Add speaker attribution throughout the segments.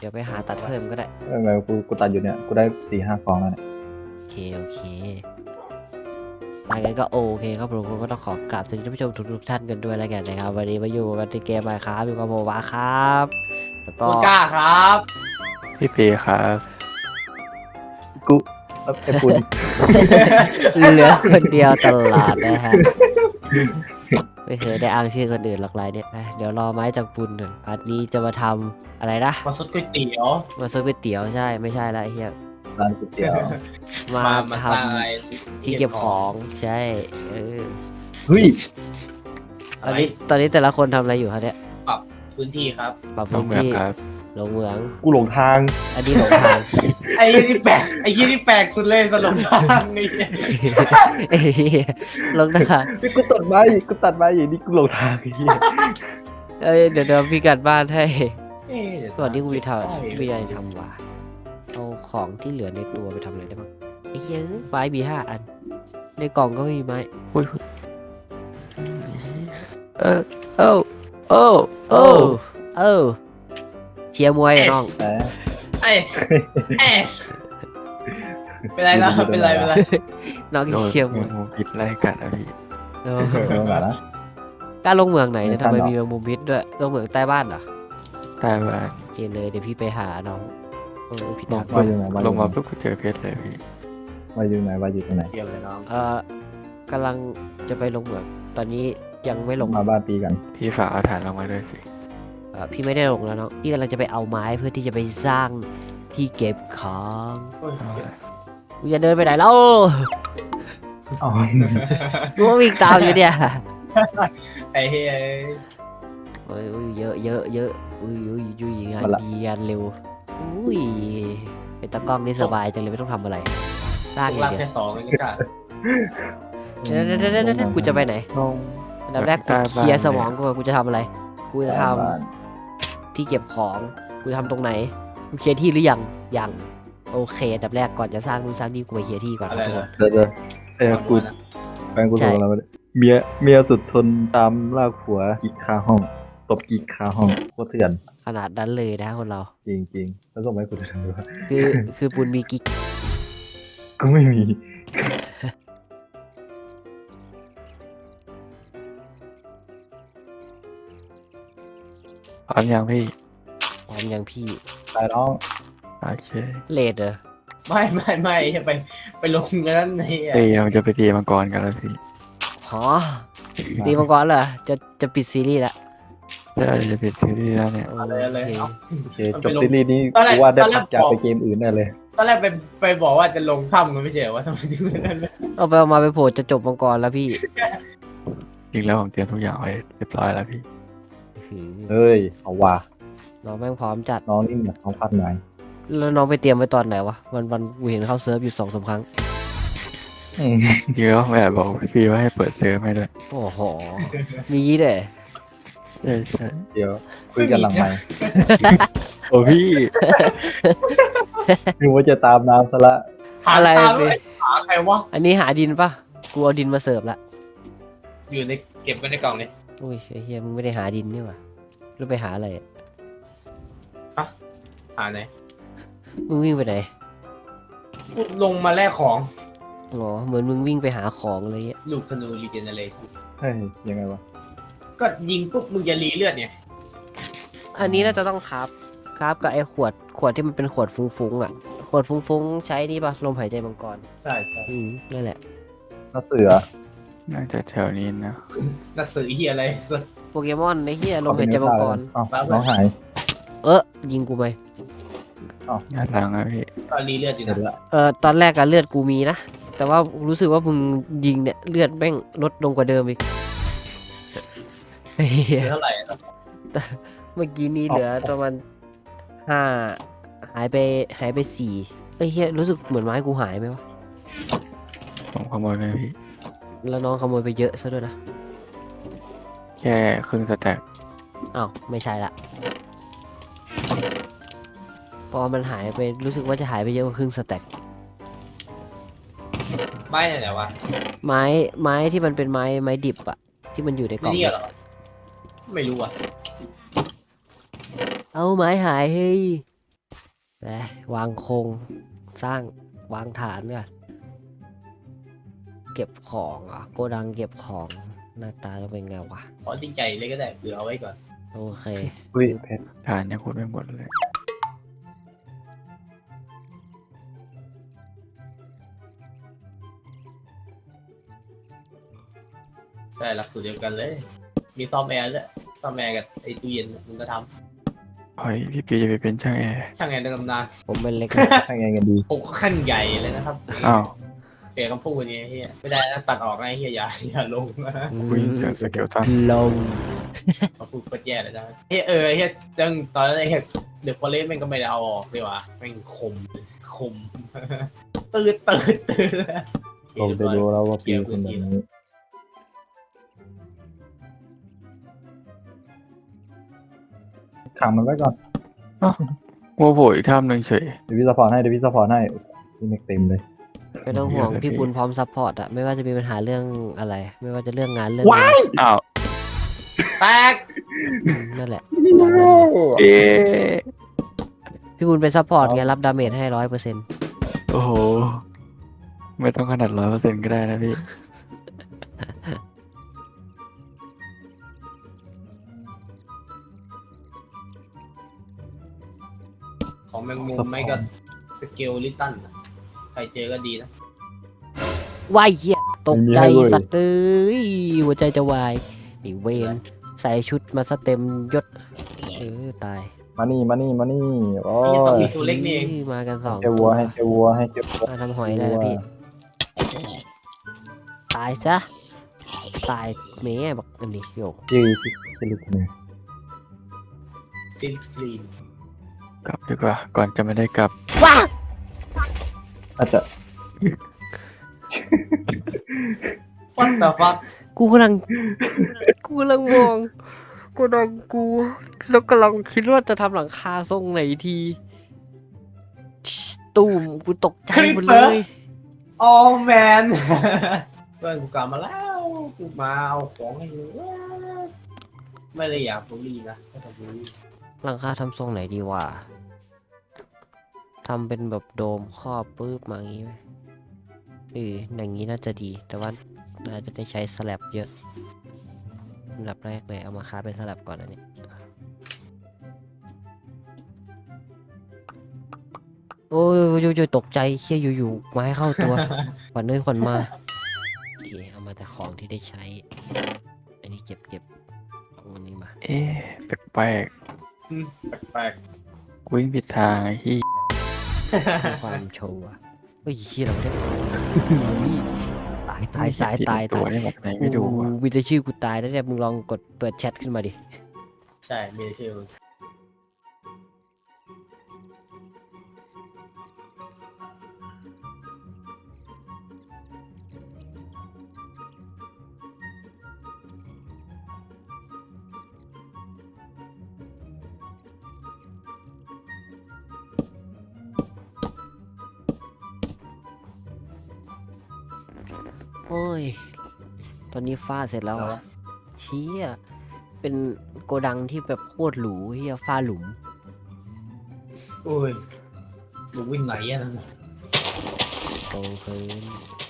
Speaker 1: เดี๋ยวไปหาตัดเพิ่มก็ได้
Speaker 2: ไงกูตัดอยู่เนี่ยกูได้4-5 ฟองแล้วเนี่ย
Speaker 1: โอเคงั้นก็โอเคครับผมก็ต้องขอกราบสวัสดีท่านผู้ชมทุกท่านกันด้วยแล้วกันนะครับวันนี้มาอยู่กันในเกมMinecraftอยู่กับผมวาครับแล้วก็
Speaker 3: คุณกล้าครับ
Speaker 4: พี่เปครับ
Speaker 2: กูแล้วไอ้ปุน
Speaker 1: เหลือคนเดียวตลอดนะฮะไม่เคยได้อ้างชื่อคนอื่นหรอกไรเนี่ยเดี๋ยวรอไม้จากปุนก่อนอันนี้จะมาทำอะไรนะ
Speaker 3: มาซุดก๋วยเตี๋ยว
Speaker 1: มาซื้อก๋วยเตี๋ยวใช่ไม่ใช่ละไอ้เฮีย
Speaker 2: ร้านก๋วยเตี๋ยว
Speaker 1: มา
Speaker 3: มา
Speaker 1: ท
Speaker 3: สร้างอะไร
Speaker 1: ำที่เก็บของใช่อ
Speaker 2: เฮ้ย
Speaker 1: ตอนนี้แต่ละคนทำอะไรอยู่ครับเนี่ย
Speaker 3: ปรับพื้นที่ครับ
Speaker 1: ปรับ
Speaker 4: น้อ
Speaker 1: พื้
Speaker 4: ง
Speaker 1: น
Speaker 4: เมือง
Speaker 1: ที่
Speaker 4: ครับ
Speaker 1: ลงเหมือง
Speaker 2: กูหลงทาง
Speaker 1: อันนี้หลงทาง
Speaker 3: ไอ้ยี่นี่แปลกไอ้ยี่นี่แปลกสุดเลยสลบทางนี่
Speaker 1: เอ้ยลงทาง
Speaker 2: นี่กูตัดไม้อย่างนี้กูหลงทางไอ้เหี้ย
Speaker 1: เดี๋ยวพี่กัดบ้านให้
Speaker 3: เอ๊ะเดี๋ยว
Speaker 1: ก่อนที่กูจะทำ
Speaker 3: ได้
Speaker 1: พี่จะทำว่ะเอาของที่เหลือในตัวไปทำอะไรได้บ้างไอ้เหี้ยไม้มี5 อัน ในกล่องก็ไม่มีไม้
Speaker 4: อุ้ยเออโอ้โอ้
Speaker 1: โอ้เชียร์มวยอะน้อง
Speaker 2: แต่
Speaker 3: เอ้ยเอ๊ะเป็นไรนะเป็นไร
Speaker 1: น้อง
Speaker 4: โดน
Speaker 1: เชียร์มวย
Speaker 4: งูพิษไล่กัดอะพี่
Speaker 1: เออ
Speaker 2: เออแบบนะ
Speaker 1: กล้าลงเมืองไหนเนี่ย
Speaker 2: ไม่
Speaker 1: ทำไม
Speaker 2: กล้าหรอก
Speaker 1: มีแมงมุมพิษด้วยลงเมืองใต้บ้านเหรอ
Speaker 4: ตายว่า
Speaker 1: โอเคเลยเดี๋ยวพี่ไปหาน้องผิด
Speaker 4: ล
Speaker 1: ทาง ง
Speaker 2: ว่าอยู่ไหนว่าอ
Speaker 4: ล
Speaker 2: ยู่
Speaker 4: ง
Speaker 2: ไหน
Speaker 4: มาปุ๊บก็เจอเพชรเลยพี่
Speaker 2: ว่าอยู่ไหนว่าอยู่ตรงไหน
Speaker 3: เกี่ยวเลยน้อง
Speaker 1: กำลังจะไปลงเหมืองตอนนี้ยังไม่ลง
Speaker 2: มาบ้านปีกัน
Speaker 4: พี่ฝากเอาฐานลงมาด้วยสิ
Speaker 1: พี่ไม่ได้ลงแล้วเนาะพี่กำลังจะไปเอาไม้เพื่อที่จะไปสร้างที่เก็บของ
Speaker 3: โอ้ย
Speaker 4: เอาละ
Speaker 1: กูจะเดินไปไหนแล้ว
Speaker 2: อ๋อ
Speaker 1: กูก็วิ่งตามอยู่เนี่ย
Speaker 3: ไอ้เฮ้ย
Speaker 1: โอ้ยเยอะอุ้ยงานดีงานเร็วอุ้ยเป็นตากล้องนี่สบายจังเลยไม่ต้องทำอะไรสร้างอย่าง
Speaker 3: ลาก
Speaker 1: เดียว
Speaker 3: แค่2เลยนี่กล้า
Speaker 1: เดี๋ยวกูจะไปไหน
Speaker 4: ลง
Speaker 1: อันดับแรกกูเคลียร์สมองกูก่อนกูจะทำอะไรกูจะท
Speaker 2: บ้าน
Speaker 1: ำที่เก็บของกูจะทำตรงไหนกูเคลียร์ที่หรือยังโอเคอันดับแรกก่อนจะสร้างนู่นสร้างนี่กูไปเคลียร์ที่ก่อน
Speaker 3: อะ
Speaker 1: ค
Speaker 3: ไร
Speaker 1: รับทุกคน
Speaker 3: นะ
Speaker 2: เดี๋ยวกูแฟนกูโทรมาแล้วเมียสุดทนตามลากผัวกิ๊กคาห้องตบกิ๊กคาห้องโคตรเถื่อน
Speaker 1: ขนาดนั้นเลยนะคนเรา
Speaker 2: จริงๆแล้วส่งมาให้กูดูด้วย
Speaker 1: คือปุณมีกิ๊ก
Speaker 2: กูไม่มี
Speaker 4: พร้อมยังพี่
Speaker 1: พร้อมยังพี่
Speaker 2: ตายน้อง
Speaker 4: โอเค
Speaker 1: เลดเหรอ
Speaker 3: ไม่ไปลงกันนั่นไอ้
Speaker 4: เตีมันจะไปตีมังกรกันแล้วพี่
Speaker 1: หอตีมังกรเหรอจะปิดซีรีส์ละ
Speaker 4: แล้วจะปิดซีรีส์แล้วเนี่ย
Speaker 1: โอ
Speaker 3: อะไร
Speaker 1: เค
Speaker 3: เอา
Speaker 2: โอเคจบซีรีส์นี้กูว่าได้พักจากไปเกมอื่นได้เลย
Speaker 3: ตอนแรกไปบอกว่าจะลงถ้ำกันไม่ใช่เหรอว่าทำไมถึงเป็นนั่นเลย
Speaker 1: เอาไปเอามาไปโผล่จะจบมังกรแล้วพี่
Speaker 4: จริงแล้วผมเตรียมทุกอย่างไว้เรียบร้อยแล้วพี่
Speaker 2: เฮ้ยเอาว่ะ
Speaker 1: น้องแม่งพร้อมจัด
Speaker 2: น้องนี่มันเขาพัดไหน
Speaker 1: แล้วน้องไปเตรียมไว้ตอนไหนวะวันกูเห็นเข้าเซิร์ฟอยู่2-3 ครั้ง
Speaker 4: จริงแล้วแม่บอกพี่ว่าให้เปิดเซิร์ฟให้ด้วย
Speaker 1: โอ้โหมีงี้ด้วย
Speaker 4: ใช่ใช่
Speaker 2: เดี๋ยวคุยกันหลังไหมค์
Speaker 4: โอ้พี่
Speaker 2: นึกว่าจะตามน้ำซะละ
Speaker 3: หา
Speaker 1: อะไร
Speaker 3: ตาม
Speaker 1: พี่
Speaker 3: ไม่หาใครวะ
Speaker 1: อันนี้หาดินปะกูเอาดินมาเสิร์ฟละ
Speaker 3: อยู่ในเก็บไว้ในกล่องนี่
Speaker 1: อุ้ยไอ้เฮียมึงไม่ได้หาดินนี่หว่าแล้วไปหาอะไรอะ
Speaker 3: หาไหน
Speaker 1: มึงวิ่งไปไหน
Speaker 3: ลงมาแลกของ
Speaker 1: อ๋อเหมือนมึงวิ่งไปหาของอะไรเงี้ย
Speaker 3: ลูกธนูรีเจเนเรชั่น
Speaker 2: เฮ้ยยังไงวะ
Speaker 3: ก็ยิงปุ๊บมึงจะรีเลือดเนี่ย
Speaker 1: อันนี้น่าจะต้องครับกับไอ้ขวดที่มันเป็นขวดฟุ้งๆอ่ะขวดฟุ้งๆใช้นี่ปะลมหายใจมังกร
Speaker 3: ใช่ใช่
Speaker 1: นั่นแหละ
Speaker 2: น้าเสือ
Speaker 4: น่าจะแถวนี้นะ
Speaker 3: หนักสือเฮียอะไรสัก
Speaker 1: โปเกมอนไอ้เฮียลมหายใจมังกร
Speaker 2: อ้าวน้องหาย
Speaker 1: ยิงกูไป
Speaker 4: งานหลังอะพี่
Speaker 3: ก็รีเลือดอยู่
Speaker 2: เห็น
Speaker 3: นะ
Speaker 2: ละ
Speaker 1: ตอนแรกอะเลือดกูมีนะ แต่ว่ารู้สึกว่ามึงยิงเนี่ยเลือดแม่งลดลงกว่าเดิมอีกเฮ้
Speaker 3: เหลื
Speaker 1: ย
Speaker 3: อเท่าไหร่อะ
Speaker 1: เมื่อกี้นี้เหลือประมาณ5หายไป4เอ้ยเฮียรู้สึกเหมือนไม้กูหายไหมวะ
Speaker 4: ผมขโมยไปพี่
Speaker 1: แล้วน้องขโมยไปเยอะซะด้วยนะ
Speaker 4: แค่ครึ่งสแต็ก
Speaker 1: อ้าวไม่ใช่ละพอมันหายไปรู้สึกว่าจะหายไปเยอะกว่าครึ่งสแต็ก
Speaker 3: ไม่ไหนวะ
Speaker 1: ไม้ที่มันเป็นไม้ดิบอะที่มันอยู่ในกล่อง
Speaker 3: นี่เหรอไม่รู้อ่ะ
Speaker 1: เอาไม้หายเฮ้ยไปวางโครงสร้างวางฐานก่อนเก็บของอ่ะโกดังเก็บของหน้าตาจะเป็นไงวะ
Speaker 3: ขอที่ใจเลยก็ได้เผื่อเอาไว้ก่อน
Speaker 1: โอเค
Speaker 2: อุ้ยเพชร
Speaker 4: ฐานยังขุดไม่หมดเลย
Speaker 3: แต่หลักสูตรเดียวกันเลย มีซ่อมแอร์ด้วยซ่อมแอร์กับไอ้ตู้เย็นมึงก็ท
Speaker 4: เฮ้ยพี่ปีจะไปเป็นช่างแอร์
Speaker 3: ำช่างแอร์ในตำนาน
Speaker 1: ผมเป็นเล็ก
Speaker 2: ทำไงกันดี
Speaker 3: ผมก็ขั้นใหญ่เลยนะครับ
Speaker 4: อ้าว
Speaker 3: เปลี่ยนคำพูดนี้เฮียไม่ได้นะตัดออกนะเฮียอย่าลงนะ
Speaker 4: กูยินเสียงสเกลตัน
Speaker 1: ลง
Speaker 3: เขาพูดโคตรแย่เลยนะเฮียเฮียจังตอนนั้นเฮียเดอะฟอเรสต์แม่งก็ไม่ได้เอาออกเลยว่ะแม่งคม ตื่น
Speaker 2: ลงไปดูแล้วว่าปีคนแบบนี้ขังมันไว้ก่อน
Speaker 4: วัวโผล่อีกถ้ำหนึ่งเฉย
Speaker 2: เดี๋ยวพี่ซัพพอร์ตให้พี่แม็กเต็มเลย
Speaker 1: ไม่ต้องห่วง
Speaker 4: เยอะเลย
Speaker 1: พี่บุญพร้อมซัพพอร์ตอะไม่ว่าจะมีปัญหาเรื่องอะไร ไม่ว่าจะเรื่องงานเรื่อง
Speaker 2: ว้าย
Speaker 4: อ้าว
Speaker 3: แตก
Speaker 1: นั่นแหละตามนั้นเลย
Speaker 4: เอ๊ะ
Speaker 1: พี่บุญเป็นซัพพอร์ตไงรับดาเมจให้100%
Speaker 4: โอ้โห ไม่ต้องขนาด100%ก็ได้นะพี่
Speaker 3: ของแมงมุมไม่ก็สเกลลิตันใครเจอก็ดีนะ
Speaker 1: วายเหี้ยตกใจสัตว์เอ้ยหัวใจจะวายไอ้เวนใส่ชุดมาซะเต็มยศตาย
Speaker 2: มานี่โอ้
Speaker 3: นี่ต้อง
Speaker 2: ย
Speaker 3: มีตัวเล็กนี่เอง
Speaker 1: มากันสอง
Speaker 2: เจ้าวัวให้เจ้าวัวให้เจ้าวัว
Speaker 1: มาทำหอยได้แล้วพี่ตายซะตายแม่บักอันนี้โยก
Speaker 2: ยืดที่ลึกเนี่ย
Speaker 3: ซินคลีน
Speaker 4: กลับดีกว่า ก่อนจะไม่ได้กลับ
Speaker 1: ว้า
Speaker 2: อาจจะ
Speaker 3: วัดแต่ฟัก
Speaker 1: กูกำลังมองกูดังกูแล้วกำลังคิดว่าจะทำหลังคาทรงไหนทีตูมกูตกใจหมดเลย
Speaker 3: โอ้แมนเพื่อนกูกลับมาแล้วกูมาเอาของให้มึงไม่ได้อยากบูลลี่นะไม่ต้องบูลลี่
Speaker 1: หลังคาทำทรงไหนดีวะทำเป็นแบบโดมครอบปึ๊บมาอย่างงี้ไหมอย่างนี้น่าจะดี แต่ว่าน่าจะได้ใช้สแลบเยอะอันดับแรกเลยเอามาค้าเป็นสแลบก่อนอันนี้โอ้ยตกใจเชี่ยอยู่ๆมาให้เข้าตัว ขวัญเอ้ยขวัญมาโอเคเอามาแต่ของที่ได้ใช้ อันนี้เก็บเอาอันนี้มา
Speaker 4: เอ๊ะแปลก
Speaker 3: แปลก
Speaker 4: ๆกูวิ่งผิดทางไอ้ที่
Speaker 1: เพื่อความโชว์อะเฮ้ยเชี่ยเราไม่ได้ตาย
Speaker 4: ตัวได้แบบไหนไม่ดูอ่ะ
Speaker 1: วิจะชื่อกูตายแล้วเนี่ยมึงลองกดเปิดแชทขึ้นมาดิ
Speaker 3: ใช่มีชื่อมึง
Speaker 1: โอ้ย ตอนนี้ฟ้าเสร็จแล้วอะเชี่ยเป็นโกดังที่แบบโคตรหรูเฮียฟ้าหลุม
Speaker 3: โอ้ยมึงวิ่งไหนอ่ะนั่นน่ะ
Speaker 1: โตขึ้น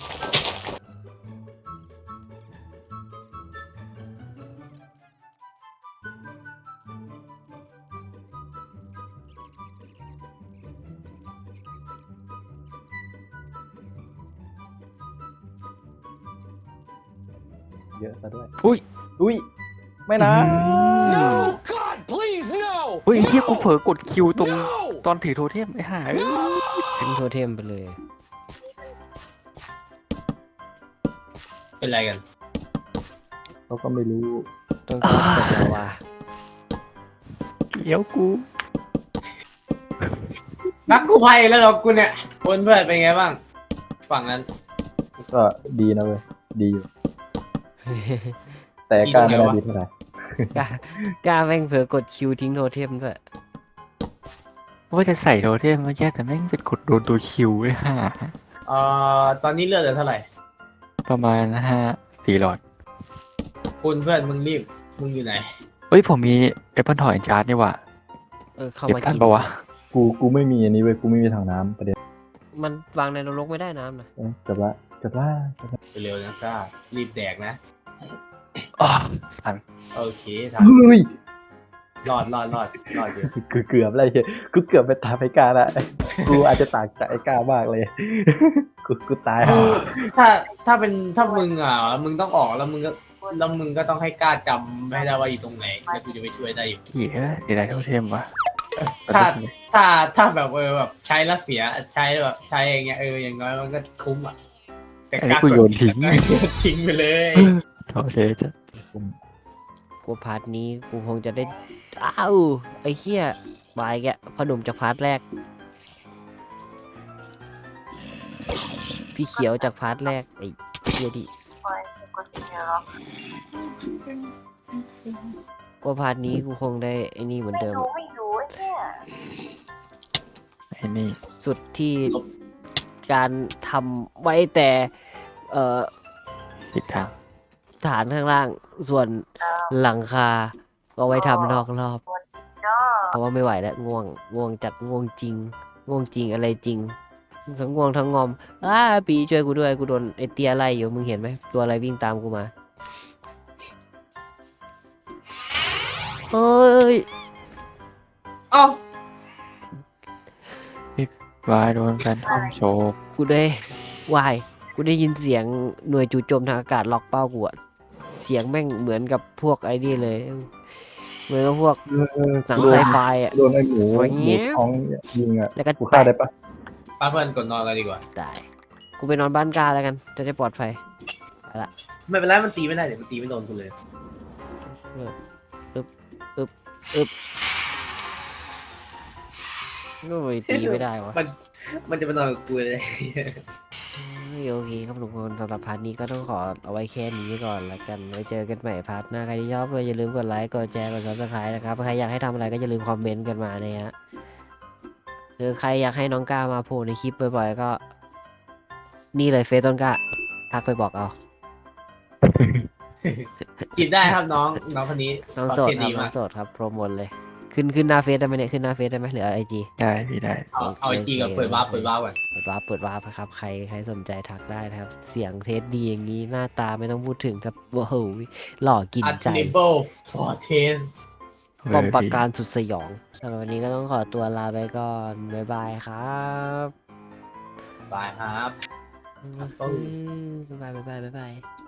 Speaker 2: เยอะซะด้วย
Speaker 4: อุ้ย
Speaker 2: ไม่นะ
Speaker 5: God, please, no!
Speaker 4: เฮ้ยไอ้เฮียกูเผลอกดคิวตรงตอนถือโทเทมไอ้ห่าเอ้ย
Speaker 1: ทิ้งโทเทมไปเลย
Speaker 3: เป็นไรกัน
Speaker 2: เขาก็ไม่รู้
Speaker 1: ต้องการกดแล้วว่ะ
Speaker 4: เดี๋ยวกู
Speaker 3: นักกู้ภัยแล้วเหรอกูเนี่ยคนเพื่อนเป็นไงบ้าง ฝั่งนั้น
Speaker 2: ก็ดีนะเว้ยดีอยู่แต่การไม่ได้ดีเท่าไหร่
Speaker 1: กล้าแม่งเผลอกดคิวทิ้งโทเทมด้วย
Speaker 4: ว่าจะใส่โทเทมเมื่อกี้แต่แม่งเป็นกดโดนตัวคิวไอ้ห่า
Speaker 3: ตอนนี้เลือดเหลือเท่าไหร่
Speaker 4: ประมาณ4 หลอด
Speaker 3: คุณเพื่อนมึงรีบ มึงอยู่ไหน
Speaker 4: เฮ้ยผมมีแอปเปิลทอยจาร์ดนี่หว่า
Speaker 1: เข้า
Speaker 4: เก็บ
Speaker 1: มา
Speaker 4: ทัน
Speaker 1: กิน
Speaker 4: ปะวะ
Speaker 2: กูไม่มีอันนี้เว้ยกูไม่มีถังน้ำประเด็น
Speaker 1: มันวางในนรกไม่ได้น้ำนะ
Speaker 2: จบละจบละ
Speaker 3: ไปเร็วนะก้ารีบแดกนะ
Speaker 4: อ๋อสั่น
Speaker 3: โอเคท
Speaker 2: เฮ้ย
Speaker 3: ำรอดอยู่
Speaker 2: กูเกือบอะไรเหี้ยกูเกือบไปตามไอ้กาละกูอาจจะต่างจากไอ้กามากเลย กูตาย
Speaker 3: คือถ้ามึงอ่ะมึงต้องออกแล้วมึงก็ต้องให้กล้าจำให้ได้ว่าอยู่ตรงไหนแล้วกูจะไปช่วยได้อยู่
Speaker 4: เหี้ยดีไรเท่าเทมวะ
Speaker 3: ถ้าแบบแบบใช้แล้วเสียใช้แบบใช้อย่างเงี้ยอย่างน้อยมันก็คุ้มอ่ะแต่
Speaker 4: อันนี้กูโยนทิ้ง
Speaker 3: ทิ้งไปเลย
Speaker 4: เท่าเทจะ
Speaker 1: กูพาร์ทนี้กูคงจะได้อ้าวไอ้เหี้ยบายแกพอหนุ่มจากพาร์ทแรก พี่เขียวจากพาร์ทแรกไอ้เหี้ยดิกูพาร์ทนี้กูคงได้ไอ้นี่เหมือนเดิมอะ
Speaker 4: ไอ้นี่
Speaker 1: สุดที่การทำไว้แต่
Speaker 4: ผิดทาง
Speaker 1: ฐานข้างล่างส่วนหลังคาก็ไว้ทำนอกรอบ เพราะว่าไม่ไหวแล้วง่วงจัดง่วงจริงอะไรจริงทั้งง่วงทั้งงอมปีช่วยกูด้วยกูโดนไอเตียไล่อยู่มึงเห็นไหมตัวอะไรวิ่งตามกูมาเฮ้ย
Speaker 3: เอ้าว
Speaker 4: ายโดนแฟนทอมโชก
Speaker 1: กูได้วายกูได้ยินเสียงหน่วยจู่โจมทางอากาศล็อกเป้ากูอะเสียงแม่งเหมือนกับพวกไอ้นี่เลยเหมือนกับพวกหนังไซไฟอะ
Speaker 2: โดนไอ้หมูท้องยิงอ่ะ
Speaker 1: แล้วก็
Speaker 2: กูฆ่าได้ปะ
Speaker 3: ป้าเพื่อนกดนอนกันดีกว่า
Speaker 1: ตายกูไปนอนบ้านกาแล้วกันจะได้ปลอดภัย
Speaker 3: ไม่เป็นไรมันตีไม่ได้เดี๋ยวมันตีไม่โดนกูเลย
Speaker 1: ก็ไม่ตีไม่ได้วะ
Speaker 3: มันจะมานอนกับกูเลย
Speaker 1: โอเคครับทุกคนสำหรับพาร์ทนี้ก็ต้องขอเอาไว้แค่นี้ก่อนละกันไว้เจอกันใหม่พาร์ทหน้าใครที่ชอบก็อย่าลืมกดไลค์กดแชร์กด subscribe นะครับใครอยากให้ทำอะไรก็อย่าลืมคอมเมนต์กันมานะฮะคือใครอยากให้น้องก้ามาโผล่ในคลิปบ่อยๆก็ นี่เลยเฟซต้นกล้าทักไปบอกเอา
Speaker 3: กินได้ครับน้องคนนี้
Speaker 1: น้องโสด
Speaker 3: เท
Speaker 1: ครับ
Speaker 3: ดี
Speaker 1: น้
Speaker 3: มา
Speaker 1: อก งโสดครับโปรโมทเลยขึ้นหน้าเฟซได้ไหมเนี่ยขึ้นหน้าเฟซได้ไหมหรือไอจี
Speaker 4: ได้พี่ได้
Speaker 3: เอาไอจีกับเปิดวาร์ปก่อน
Speaker 1: เปิดวาร์ปครับใครสนใจทักได้นะครับ เสียงเทสดีอย่างนี้หน้าตาไม่ต้องพูดถึงครับโอ้โหหล่อกิน
Speaker 3: อัด
Speaker 1: ใจ
Speaker 3: นิเบิลฟอร์เทน
Speaker 1: ป้อมปราการสุดสยองสำหรับวันนี้ก็ต้องขอตัวลาไปก่อน บ๊ายบายครับ
Speaker 3: บายครับ
Speaker 1: บ๊ายบาย